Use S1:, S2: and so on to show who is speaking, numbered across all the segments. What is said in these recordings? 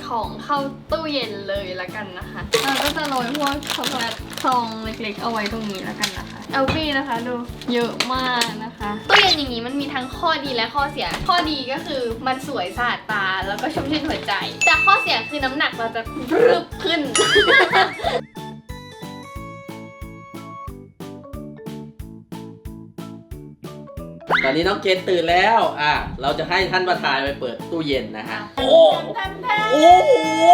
S1: ของเข้าตู้เย็นเลยละกันนะคะเราก็จะโรยพวกช็อกโกแลตซองเล็กๆเอาไว้ตรงนี้ละกันนะคะเอลฟี่นะคะดูเยอะมากนะคะตู้เย็นอย่างนี้มันมีทั้งข้อดีและข้อเสียข้อดีก็คือมันสวยสะอาดตาแล้วก็ชุ่มชื่นหัวใจแต่ข้อเสียคือน้ำหนักเราจะรึบขึ้น
S2: ตอนนี้น้องเกณฑ์ตื่นแล้วเราจะให้ท่านประธานไปเปิดตู้เย็นนะฮะโอ้โอ้โห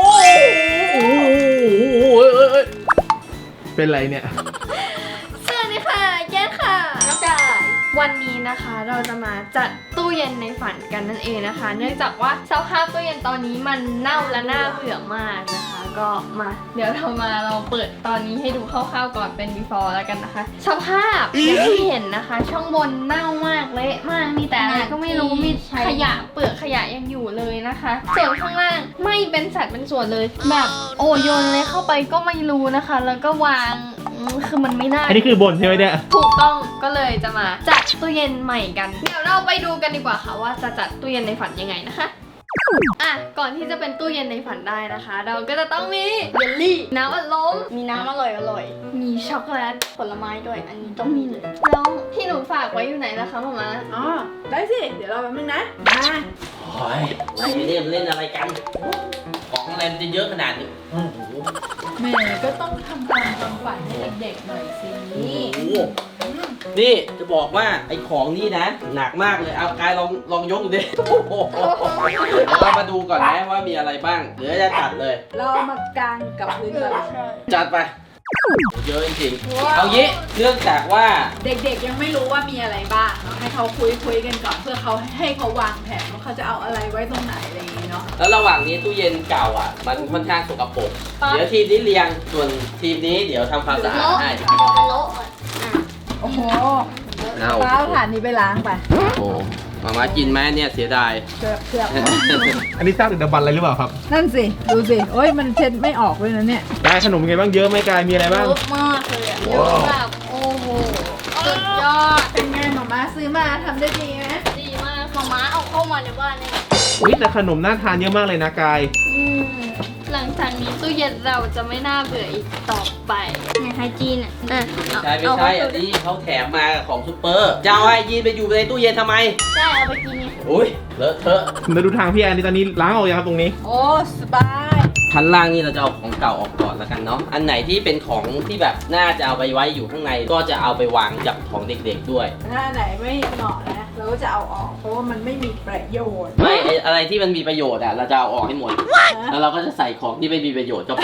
S3: เป็นไรเนี่ย
S1: สวัสดีค่ะแย้ค่ะน้องกายวันนี้นะคะเราจะมาจัดตู้เย็นในฝันกันนั่นเองนะคะ เนื่องจากว่าสภาพตู้เย็นตอนนี้มันเน่าและน่าเบื่อมากนะคะ ก็มาเดี๋ยวเราเปิดตอนนี้ให้ดูคร่าวๆก่อนเป็น before แล้วกันนะคะสภาพอย่างที่เห็นนะคะ ช่องบนเน่ามากเละมากมีแต่อะไรก็ไม่รู้มีขยะเปลือกขยะยังอยู่เลยนะคะส่วนข้างล่างไม่เป็นสัดเป็นส่วนเลยแบบโยนเลยเข้าไปก็ไม่รู้นะคะ แล้วก็วางคือมันไม่ได้
S3: อันนี้คือบนใช่ไหมเนี่ย
S1: ถูกต้องก็เลยจะมาจัดตู้เย็นใหม่กันเดี๋ยวเราไปดูกันดีกว่าค่ะว่าจะจัดตู้เย็นในฝันยังไงนะคะก่อนที่จะเป็นตู้เย็นในฝันได้นะคะ เราก็จะต้องมีเยลลี่น้ำอัดลมมีน้ำอร่อยมีช็อกโกแลตผลไม้ด้วยอันนี้ต้องมีเลยแล้วที่หนูฝากไว้อยู่ไหนนะคะมาม่า
S4: อ๋อได้สิเดี๋ยวรอแป๊บนึงนะมา
S2: โอ้ยไม่ได้เล่นอะไรกันของอะไรมันจะเยอะขนาดนี้โอ้โห
S4: แม่ก็ต้องทำตามความฝันให้เด็กๆหน่อยสิ
S2: โอ้โหนี่จะบอกว่าไอ้ของนี่นะหนักมากเลยเอากายลองยกดูดิโอ้โหเรามาดูก่อนนะว่ามีอะไรบ้างเดี๋ยวจะจัดเลย
S4: เรามากางกับพื้นก่อน
S2: จัดไปเยอะจริงๆเอางี้เนื่องจากว่า
S4: เด็กๆยังไม่รู้ว่ามีอะไรบ้างเนาะให้เขาคุยกันก่อนเพื่อเขาให้เขาวางแผนว่าเขาจะเอาอะไรไว้ตรงไหนอะไรอย่างงี้เนาะ
S2: แล้วระหว่างนี้ตู้เย็นเก่ามันค่อนข้างสกปรกเดี๋ยวทีมนี้เรียงส่วนทีมนี้เดี๋ยวทำความสะอาดให้
S4: โอ้โห
S2: เอา
S4: ป้าเอาถ่านนี้ไปล้างไป
S2: โอ้โหมากินไหมเนี่ยเสียดาย
S4: เกือบ
S3: อันนี้สร้างดึกดำบรรพ์อะไรหรือเปล่าครับ
S4: นั่นสิดูสิโอ้ยมันเช็ดไม่ออกเลยนะเนี่ย
S3: กายขนมเป็นไงบ้างเยอะไหมกายมีอะไรบ้าง
S1: เยอะมากเลยอะเยอะแบบโอ้โหสุดยอด
S4: เป็นไงหมอม้าซื้อมาทำได้ดีไหม
S1: ดีมากมาม่าเอาเข้ามาในบ้านเลย
S3: อุ้ยแต่ขนมน่าทานเยอะมากเลยนะกาย
S1: หลังจากนี้ตู้เย็นเราจะไม่น่าเบื่ออีกต่อไปในไทยจีน
S2: ไม่ใช่อันนี้เขาแถมมาของซุปเปอร์จะเอาไอ้ยีนไปอยู่ในตู้เย็นทำไม
S1: ใช่เอาไปกินไง
S2: อุ้ยเลอะเทอะ
S3: มาดูทางพี่แอนนี่ตอนนี้ล้างออกยังครับตรงนี้
S4: โอ้สบาย
S2: ชั้นล่างนี่เราจะเอาของเก่าออกก่อนแล้วกันเนาะอันไหนที่เป็นของที่แบบน่าจะเอาไปไว้อยู่ข้างในก็จะเอาไปวางจับของเด็กๆด้วย
S4: ถ้าไหนไม่เหมาะนะเราก็จะเอาออกเพราะว่ามันไม่มีประโยชน์
S2: ไม่อะไรที่มันมีประโยชน์เราจะเอาออกให้หมดแล้วเราก็จะใส่ของที่ไม่มีประโยชน์เข้าไป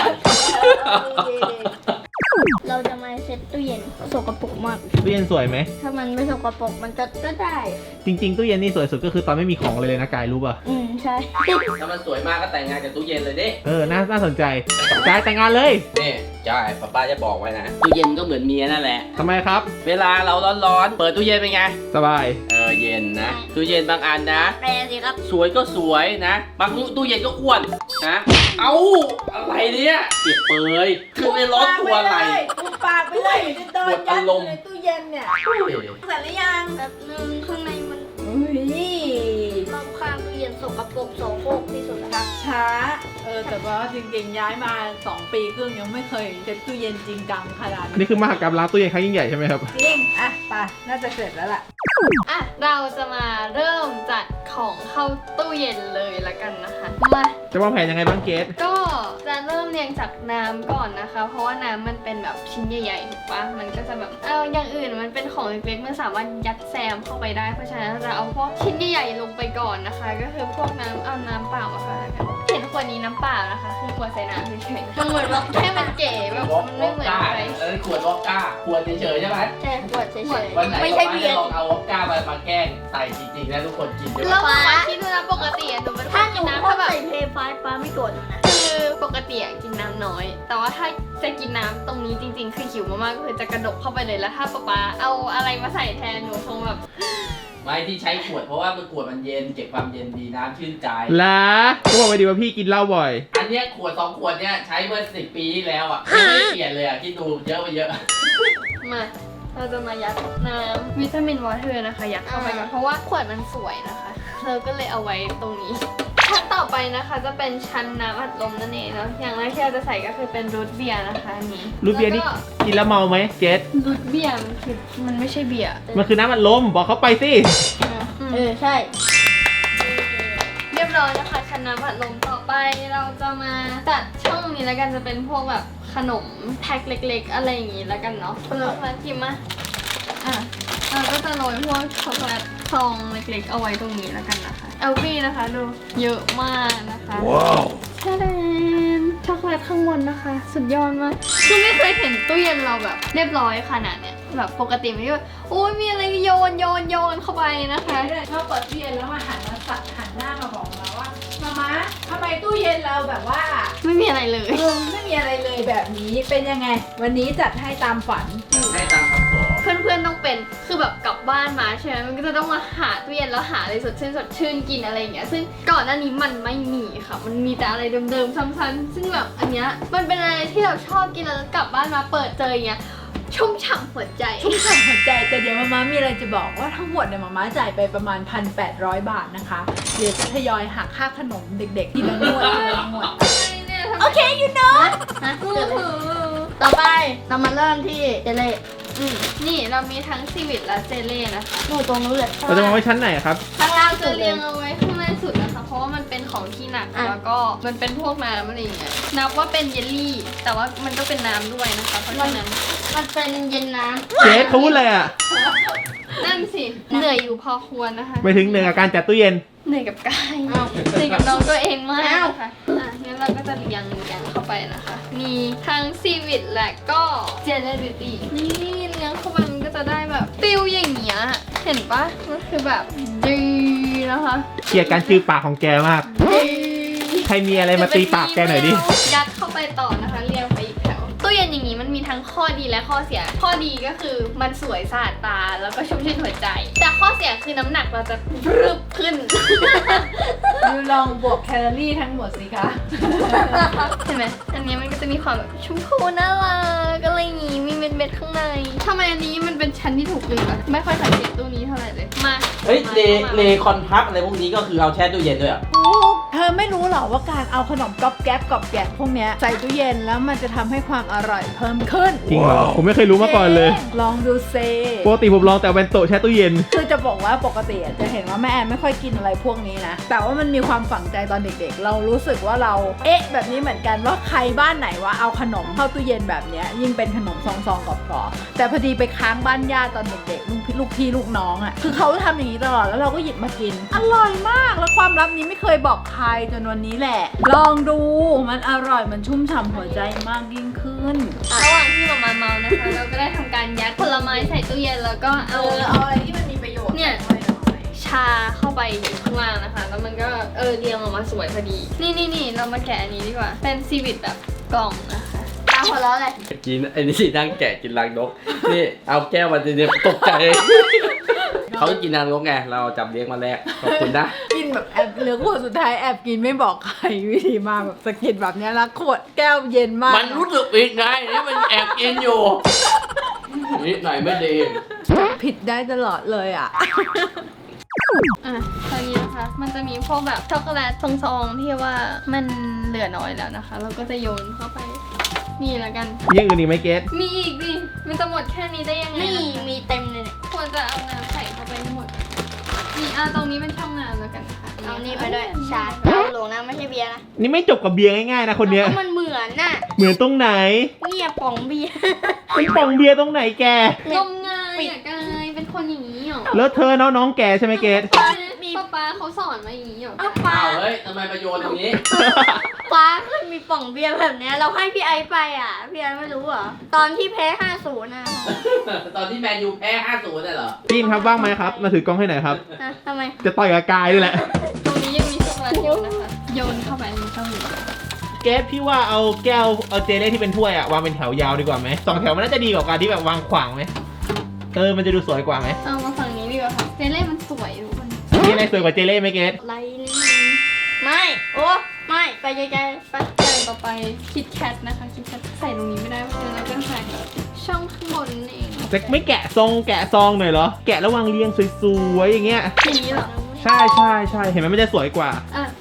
S1: เราจะมาเซ็ตตู้เย็นสกปรกมาก
S3: ตู้เย็นสวยไหม
S1: ถ้ามันไม่สกปรกมันก็ได้
S3: จริงๆตู้เย็นนี่สวยสุดก็คือตอนไม่มีของเลยนะกายรู้ป่ะ
S1: ใช่
S2: ถ้ามันสวยมากก็แต่งงานกับตู้เย็นเลยดิ
S3: น่าสนใจกายแต่งงานเลย
S2: นี่ใช่ป้าจะบอกไว้นะตู้เย็นก็เหมือนเมียนั่นแหละ
S3: ทำไมครับ
S2: เวลาเราร้อนๆเปิดตู้เย็นเป็นไง
S3: สบาย
S2: เย็นนะตู้เย็นบางอันนะ
S1: แปลสิครับ
S2: สวยก็สวยนะบางตู้เย็นก็อ้วนนะเอ้าอะไรเนี่ยเปียกเปยคือไม่ร้อนตัวอะไร
S4: ปุบปากไปเลยจะโดนยัดอยู่ในตู้เย็นเนี่ยเสร็จหรือยัง
S1: แบบนึงข้างในมัน
S4: อุ้ย
S1: รอบข้างตู้เย็นสกปรกโสโครกที่สุดนะครับ
S4: ช้าแต่ว่าจริงๆย้ายมา2 ปีครึ่งยังไม่เคยเช็ดตู้เย็นจริงจังขนาด
S3: อันนี้คือมหากรรมล้างตู้เย็นครั้งยิ่งใหญ่ใช่ไหมครับ
S4: จริงไปน่าจะเสร็จแล้วล่ะ
S1: เราจะมาเริ่มจัดของเข้าตู้เย็นเลยละกันนะคะมา
S3: จะวางแผนยังไงบ้างเกส
S1: ก็จะเริ่มเรียงจากน้ำก่อนนะคะ เพราะว่าน้ำมันเป็นแบบชิ้นใหญ่ๆถูกปะมันก็จะแบบอย่างอื่นมันเป็นของเล็กๆมันสามารถยัดแซมเข้าไปได้เพราะฉะนั้นเราจะเอาพวกชิ้นใหญ่ๆลงไปก่อนนะคะ ก็คือพวกน้ำเปล่ามาค่ะเห็นขวดนี้น้ำเปล่านะคะคือขวดใส่น้ำเฉยๆมันเหมือนแบบแค่มันเก๋แบบมันไม่เหมือนใคร
S2: ขวดวอดก้าขวดเฉยๆใช่ไหม
S1: ใช่ขวดเฉย
S2: วันไหน
S1: ๆไม่ใช่เบียร์
S2: ลองเอาวอดก้ามาแกล้งใส่จริงๆนะทุกคนกินเยอะ
S1: แล้วมาคิดดูนะปกติหนูเป็นคนกินน้ำถ้าแบบ
S5: เพย์ไฟป้าไม่โกรธหนูนะ
S1: คือปกติกินน้ำน้อย แต่ว่าถ้าจะกินน้ำตรงนี้จริงๆ คือหิวมากๆก็คือจะกระดกเข้าไปเลยแล้วถ้าป๊าเอาอะไรมาใส่แทนหนูคงแบบ
S2: ไม่ที่ใช้ขวดเพราะว่ามันขวดมันเย็นเก็บความเย็นดีน้ำชื่นใจ
S3: ล่ะก็บอกไปดีว่าพี่กินเหล้าบ่อย
S2: อันเนี้ยขวด2 ขวดเนี่ยใช้เมื่อ10 ปีที่แล้วยังไม่เปลี่ยนเลยคิดดูเยอะไปเยอะ
S1: มาเราจะมายัดน้ำวิตามินวอเตอร์นะคะยัดเข้าไปก่อนเพราะว่าขวดมันสวยนะคะเราก็เลยเอาไว้ตรงนี้ขั้นต่อไปนะคะจะเป็นชั้นน้ำอัดลมนั่นเองเนาะอย่างแรกที่เราจะใส่ก็คือเป็นรูทเบียร์นะคะอันนี้
S3: รูทเบียร์นี่
S1: แล้วก็
S3: กินแล้วเมาไหมเกส
S1: รูทเบียร์มันไม่ใช่เบียร์
S3: มันคือน้ำอัดลมบอกเขาไปสิ
S5: ใช่
S1: เรียบร้อยนะคะชั้นน้ำอัดลมต่อไปเราจะมาจัดช่องนี้แล้วกันจะเป็นพวกแบบขนมแพ็คเล็กๆ อะไรอย่างงี้แล้วกันเนาะช็อกโกแลตกินมาเราก็จะโรยพวกช็อกโกแลตซองเล็กๆเอาไว้ตรงนี้แล้วกันนะคะเอลฟี่นะคะดูเยอะมากนะคะว้าวแช่แดนช็อกโกแลตข้างบนนะคะ สุดยอดมากคือไม่เคยเห็นตู้เย็นเราแบบเรียบร้อยขนาดเนี้ยแบบปกติไม่แบบโอ้ยมีอะไรโยนเข้าไปนะคะ
S4: ชอบเปิดตู้เย็นแล้วมาหันหน้ามาบอกเราว่ามาทำไมตู้เย็นเราแบบว่า
S1: ไม่มีอะไรเลย
S4: ไม่มีอะไรเลยแบบนี้เป็นยังไง วันนี้จัดให้ตามฝัน
S2: ให้ตามคำขอ
S1: เพื่อนๆต้องเป็นคือแบบกลับบ้านมาใช่ไหมมันก็จะต้องมาหาตู้เย็นแล้วหาอะไรสดชื่นกินอะไรอย่างเงี้ยซึ่งก่อนหน้านี้มันไม่มีค่ะมันมีแต่อะไรเดิมๆซ้ำๆซึ่งแบบอันเนี้ยมันเป็นอะไรที่เราชอบกินแล้วกลับบ้านมาเปิดเจออย่างเงี้ยชุ่มฉ่ำหัวใจ
S4: ชุ่มฉ่ำหัวใจแต่เดี๋ยวมาม่ามีอะไรจะบอกว่าทั้งหมดเนี่ยมาม่าจ่ายไปประมาณ 1,800 บาทนะคะเดี๋ยวจะทยอยหักค่าขนมเด็กๆทีละงวด
S5: โอเคยูโน่
S1: ฮะ
S5: ต่อไปเรามาเริ่มที่เจเล่
S1: นี่เรามีทั้งซีวิตและเจเล่นะคะ
S5: หนูตรงนู้นเลย
S3: เราจะมาไว้ชั้นไหนครับ
S5: ข้างล่างสุ
S1: จะ
S5: ดเล
S1: เรีย
S5: ย
S1: งเอาไว้ข้างในสุดนะคะเพราะว่ามันเป็นของที่หนัก
S5: อ่ะ
S1: แล้วก็มันเป็นพวกน้ำอะไรอย่างเงี้ยนับว่าเป็นเยลลี่ แต่ว่ามันก็เป็นน้ำด้วยนะคะเพราะฉะนั้น
S5: มันเป็นเย็นน้
S3: เกสเขาพูดอะไรอ่ะ
S1: นั่นสิเหนื่อยอยู่พอควรนะคะ
S3: ไปถึงหนึ่งอาการจัดตู้เย็น
S1: เหนื่อยกับกายเหนื่อยกับน้องตัวเองมากนะคะงั้นเราก็จะเรียงเข้าไปนะคะ มีทั้งซีวิตและก็เจลลี่บิวตี้นี่เลี้ยงเข้าไปมันก็จะได้แบบฟิลอย่างเงี้ยเห็นปะมันคือแบบดีนะคะ
S3: เกลียดการจือปากของแกมาก ใครมีอะไรมาตีปากแกหน่อยดิ
S1: ยัดเข้าไปต่อนะคะเรียงไปอีกแถวตู้เย็นอย่างนี้มันมีทั้งข้อดีและข้อเสีย ข้อดีก็คือมันสวยสะอาดตาแล้วก็ชุ่มชื่นหัวใจ แต่ข้อเสียคือน้ำหนักเราจะรึบขึ้น
S4: ดูลองบวกแคลอรี่ทั้งหมดสิคะ
S1: เห็นไหมอันนี้มันก็จะมีความแบบชมพูน่ารักอะไรอย่างงี้ มีเม็ดๆข้างในทำไมอันนี้มันเป็นชั้นที่ถูกลืมอะไม่ค่อยสังเกตตู้นี้เท่าไหร่เลย มา
S2: เฮ้ยเลคอนพับอะไรพวกนี้ก็คือเอาแช่ตู้เย็นด้วยอ่ะ
S4: เธอไม่รู้หรอว่าการเอาขนมก๊อบแก๊บกรอบแกะพวกเนี้ยใส่ตู้เย็นแล้วมันจะทำให้ความอร่อยเพิ่มขึ้น
S3: จริงเหรอ ผมไม่เคยรู้มาก่อนเลย
S4: ลองดูเซ
S3: ปกติผมลองแต่เวนโตะแช่ตู้เย็น
S4: คือจะบอกว่าปกติจะเห็นว่าแม่แอนไม่ค่อยกินอะไรพวกนี้นะ แต่ว่ามันมีความฝังใจตอนเด็กๆ เรารู้สึกว่าเราแบบนี้เหมือนกันว่าใครบ้านไหนว่าเอาขนมเข้าตู้เย็นแบบเนี้ยยิ่งเป็นขนมซองๆกรอบๆแต่พอดีไปค้างบ้านญาติตอนเด็กๆลูกพี่ลูกน้องอ่ะคือเขาทำอย่างนี้ตลอดแล้วเราก็หยิบมากิน อร่อยมากแล้วความลับนี้ไม่เคยบอกใครจนวันนี้แหละ ลองดูมันอร่อยมันชุ่มฉ่ำหัวใจมากยิ่งขึ้น
S1: ระหว่างที่เรามาเมานะคะ เราก็ได้ทำการยัดผลไม้ใส่ตู้เย็นแล้วก็เอา
S4: อะไรที่มันมีประโยชน์
S1: เนี่ย ชาเข้าไปอยู่ข้างล่างนะคะ แล้วมันก็เรียงออกมาสวยพอดี นี่เรามาแกะอันนี้ดีกว่า เป็นซีวิตแบบกล่องนะคะ
S5: ำตาหัวเราะเลย
S2: กินไอ้นี่นั่งแกะกินรังนก นี่เอาแก้วมาเดี๋ยวตกใจ เขากินรังนกไง เราจับเลี้ยงมาแรก ขอบคุณนะ
S4: กินแบบแอบเหลือขวดสุดท้ายแอบกินไม่บอกใครวิธีมาแบบสะกิดแบบเนี้ยแล้วขวดแก้วเย็นมาก
S2: มันรู้สึกผิดไงนี่มันแอบกินอยู่นิดหน่อยไม่ดี
S4: ผิดได้ตลอดเลยอ่ะ
S1: ตอนนี้นะคะ มันจะมีพวกแบบช็อกโกแลตซองๆที่ว่ามันเหลือน้อยแล้วนะคะ เราก็จะโยนเข้าไป นี่แล้วกัน
S3: มีอย่างอื่นอีกไหมเกส
S1: มีอีกดิ มันจะหมดแค่นี้ได้ยังไง
S5: นี่
S1: ล่ะ
S5: มีเต็มเลยเนี่ย
S1: ควรจะเอาน้ำใส่เข้าไปให้หมด นี่ตรงนี้เป็นช่องน้ำแล้วกันนะคะ
S5: เอานี่ไปด้วยชาเอาหลงนะไม่ใช่เบียร์นะ
S3: นี่ไม่จบกับเบียร์ง่ายๆนะคนเนี้ย
S5: เพราะมันเหมือนน่ะ
S3: เหมือนตรงไหน
S5: เนี่ยป๋องเบียร์
S3: เป็นป่องเบียร์ตรงไหนแก
S1: นมไงอ่ะกายเป็นคนอย่างนี้เหรอ
S3: แล้วเธอน้องแกใช่ไหมเกส
S1: ป้าเขาสอนมาอย่างนี้เหรอ
S5: เอาปลา
S2: อ้าวเฮ้ยทำไมมาโยนตรงนี้
S5: ปลาเคยมีป๋องเบียร์แบบเนี้ยเราให้พี่ไอซ์ไปอ่ะพี่ไอซ์ไม่รู้เหรอตอนที่แพ้5-0น่ะ
S2: ตอนที่แมนยูแพ้ 5-0น่ะเหรอ
S3: พี่อินครับว่างไหมครับ มาถือกล้องให้หน่อยครับ
S5: ฮะทำไม
S3: จะต่อยกับกายด้วยแหละ
S1: ตรงนี้ยังมีช็อกโกแลตอยู่นะคะ โยนเข้าไปในช่องนี้
S3: เกสพี่ว่าเอาแก้วเอาเจลลี่ที่เป็นถ้วยอะวางเป็นแถวยาวดีกว่าไหม2 แถวมันน่าจะดีกว่าการที่แบบวางขวางไหมมันจะดูสวยกว่าไหม
S1: เอามาฝั่งนี้ดีกว่าค่ะเจเล่มันสวยทุกคน
S3: มีอะไรสวยกว่าเจลลี่ไหมเกส
S1: ไรนี่
S5: ไม่โอ้ไม่ไปไกลๆไป
S1: อย่างต่อไปคิดแคทนะคะคิดแคทใส่ตรงนี้ไม่ได้เพราะฉะนั้นเราก็ใส่ช่องข้างบนนั่นเอง
S3: จะไม่แกะซองหน่อยเหรอ แกะแล้ววางเรียงสวยๆอย่างเงี้ย
S1: อย่างนี้เหรอ
S3: ใช่ เห็นไหมมันจะสวยกว่า
S1: อ่ะ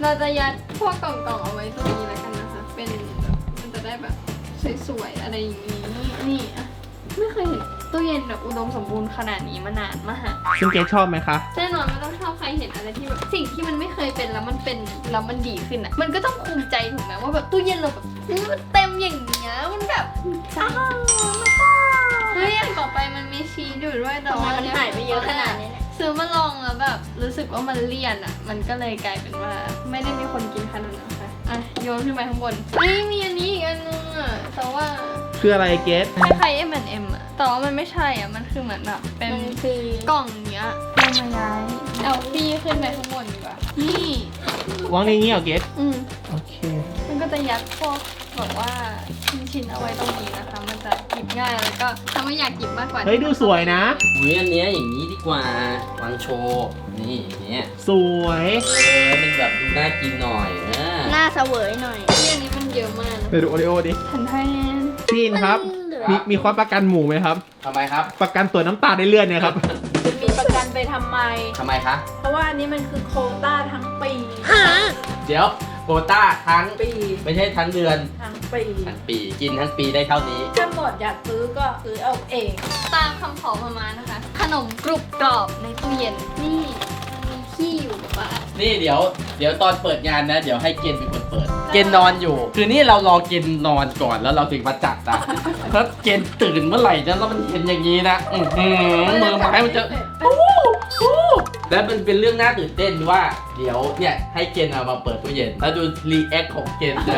S1: เราจะยัดพวกกล่องๆเอาไว้ตรงนี้แล้วกันนะคะ เป็นแบบมันจะได้แบบสวยๆอะไรอย่างนี้นี่อะไม่เคยเห็นตู้เย็นแบบอุดมสมบูรณ์ขนาดนี้มานานมาก
S3: ซึ่งเกรซชอบไหมคะ
S1: แน่นอนไม่ต้องชอบใครเห็นอะไรที่แบบสิ่งที่มันไม่เคยเป็นแล้วมันเป็นแล้วมันดีขึ้นอ่ะมันก็ต้องภูมิใจถูกไหมว่าแบบตู้เย็นเราแบบมันเต็มอย่างเงี้ยมันแบบอ้าวเฮ้ยอย่างต่อไปมันมีชีสอยู่ด้วยแต่
S5: ทำไม
S1: ว่า
S5: มันหายไปเยอะขนาดนี้เนี่ย
S1: ซื้อมาลองแล้วแบบรู้สึกว่ามันเลี่ยนอ่ะมันก็เลยกลายเป็นว่าไม่ได้มีคนกินขนาดนั้นค่ะอ่ะโยนขึ้นไปข้างบนนี่มีอันนี้อีกอันนึงอ่ะแต่ว่า
S3: คืออะไรเกรซ
S1: คล้ายๆ M&M อ่ะแต่ว่ามันไม่ใช่อ่ะมันคือเหมือนแบบเป็น
S5: มันคือก
S1: ล่องเนี้ยเรามาย้ายเอาพี่ขึ้นไปข้างบนดีกว่า นี่
S3: วางในนี้เหรอเกรซ
S1: อืม
S3: โอเค
S1: มันก็จะยัดพวกแบบว่าชิ้นๆเอาไว้ตรงนี้นะคะ มันจะหยิบง่ายแล้วก็ถ้าไม่อยากหยิบมากกว่า
S3: เฮ้ยดูสวยนะ
S2: อุ้ยอันเนี้ยอย่างนี้ดีกว่าวางโชว์นี่อย่างเนี้ย
S3: สวย
S2: มันแบบดูน่ากินหน่อย
S5: หน้าเสวยหน่อย
S1: ที่อันนี้มันเยอะมากนะ
S3: ไปดูโอริโอดิ
S1: ทันทายแนน
S3: พี่อินครับ มีความประกันหมูไหมครับ
S2: ทำไมครับ
S3: ประกันตัวน้ำตาลในเลือดเนี่ยครับ
S4: จะมีประกันไปทำไม
S2: ทำไมคะ
S4: เพราะว่าอันนี้มันคือโควต้าทั้งปี
S2: เดี๋ยวโควต้าทั้ง
S4: ปี
S2: ไม่ใช่ทั้งเดือน
S4: ทั้งปี
S2: ทั้งปีกินทั้งปีได้เท่านี้
S4: ถ้าหมดอยากซื้อก็ซื้อเอาเอง
S1: ตามคำขอมานะคะ ขนมกรุบกรอบในตู้เย็น นี่มันมีขี้อยู่แบบว่า
S2: นี่เดี๋ยวตอนเปิดงานนะ เดี๋ยวให้เกณฑ์เป็นคนเปิด เกณฑ์นอนอยู่ คือนี่เรารอเกณฑ์นอนก่อนแล้วเราถึงมาจัดนะถ้าเกณฑ์ตื่นเมื่อไหร่นะแล้วมันเห็นอย่างนี้นะมือไม้มันจะแล้วมันเป็นเรื่องน่าตื่นเต้นว่า เดี๋ยวเนี่ยให้เกณฑ์เอามาเปิดตู้เย็นแล้วดูรีแอคของเกณฑ์จะ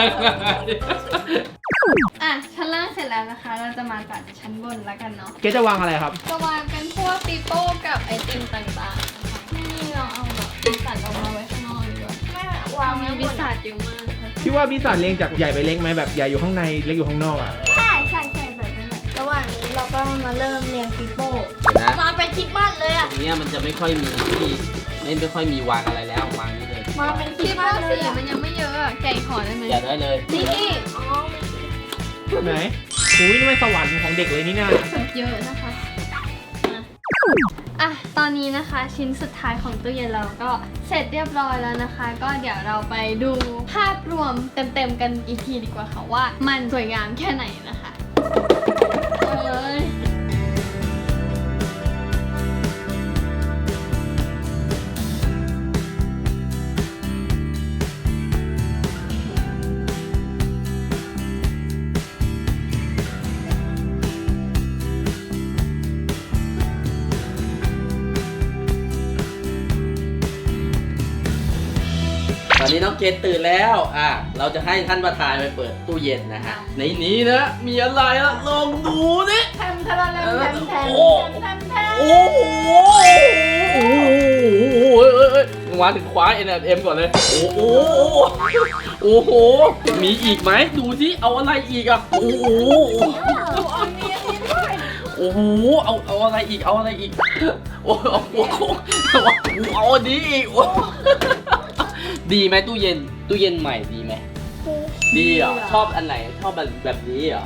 S1: อ่ะชั้นล่างเสร็จแล้วนะคะ เราจะมาจัดชั้นบนแล้วกันเนาะ
S3: เกรซจะวางอะไรครับ
S1: จะวางเป็นพวกปีโป้กับไอติมต่างๆนะคะนี่เราเอาแบบบิสซัทออกมาไว้ข้างนอกดีกว่า
S5: แม่
S1: วางมีบิสซัทเยอะมากค่ะ
S3: พี่ว่าพี่สันเรียงจากใหญ่ไปเล็กไหมแบบใหญ่อยู่ข้างในเล็กอยู่ข้างนอกอ่ะ
S5: ใช่แบบนั้นแหละระหว่างนี้เราก็มาเริ่มเรียงปีโป้
S2: เดี๋ยวนะ
S5: มาเป็นคริดบ้านเลยอ่ะ
S2: ตรงเนี้ยมันจะไม่ค่อยมีที่ไม่ค่อยมีวางอะไรแล้ววางนี่เลย
S5: มาเป็นคริ
S1: คิ
S5: ด
S1: ด
S5: บ้า
S1: ว่าน
S5: เล
S1: สี
S5: ยอะ
S1: มันยังไม่เยอะอะแกะห่อได้ไหม
S2: อย่าได้เลย
S5: นี่อ๋อ
S3: ไหนอุ้ยนี่มันสวรรค์ของเด็กเลยนี่น่า
S1: เยอะนะคะอ่ะตอนนี้นะคะชิ้นสุดท้ายของตู้เย็นเราก็เสร็จเรียบร้อยแล้วนะคะ ก็เดี๋ยวเราไปดูภาพรวมเต็มๆกันอีกทีดีกว่าค่ะว่ามันสวยงามแค่ไหนนะคะเอ้ย
S2: ตอนนี้น้องเกดตื่นแล้วเราจะให้ท่านประธานไปเปิดตู้เย็นนะฮะในนี้นะมีอะไรละลองดูดิ
S4: แทมทะละแลมแทมแทมแทมแทม
S2: โอ้โหมาถึงคว้า N&M ก่อนเลยโอ้โหโอ้โหมีอีกไหมดูสิเอาอะไรอีกอ่ะโอ้โห
S4: อันนี้ด้วย
S2: โอ้โหเอาอะไรอีกเอาอะไรอีกโอ้โหเอาอันนี้อีกโอ้ดีไหมตู้เย็นใหม่ดีไหมดีเหรอชอบอันไหนชอบแบบนี้เหรอ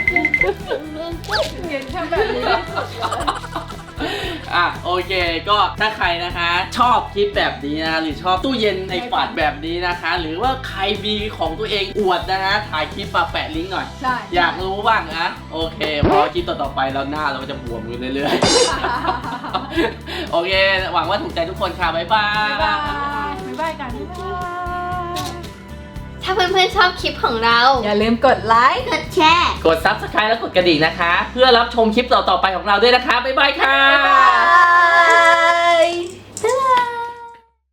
S4: เห็นแค่แบบนี้
S2: โอเคก็ถ้าใครนะคะชอบคลิปแบบนี้นะหรือชอบตู้เย็นในฝันแบบนี้นะคะ หรือว่าใครมีของตัวเองอวดนะฮะถ่ายคลิปมาแปะลิงก์หน่อย
S4: ใช่
S2: อยากรู้บ้างนะโอเคเพราะคลิปต่อๆไปแล้วหน้าเราก็จะบวมอยู่เรื่อยๆ โอเค หวังว่าถูกใจทุกคนค่ะบ๊ายบาย
S4: บ๊ายบายบ๊ายบายกันบ๊ายบาย
S1: ถ้าเพื่อนๆชอบคลิปของเรา
S4: อย่าลืมกดไลค์
S5: กดแชร์
S2: กด Subscribe และกดกระดิ่งนะคะ เพื่อรับชมคลิปต่อๆไปของเราด้วยนะคะบ๊ายบายค่ะ
S4: บ๊ายบาย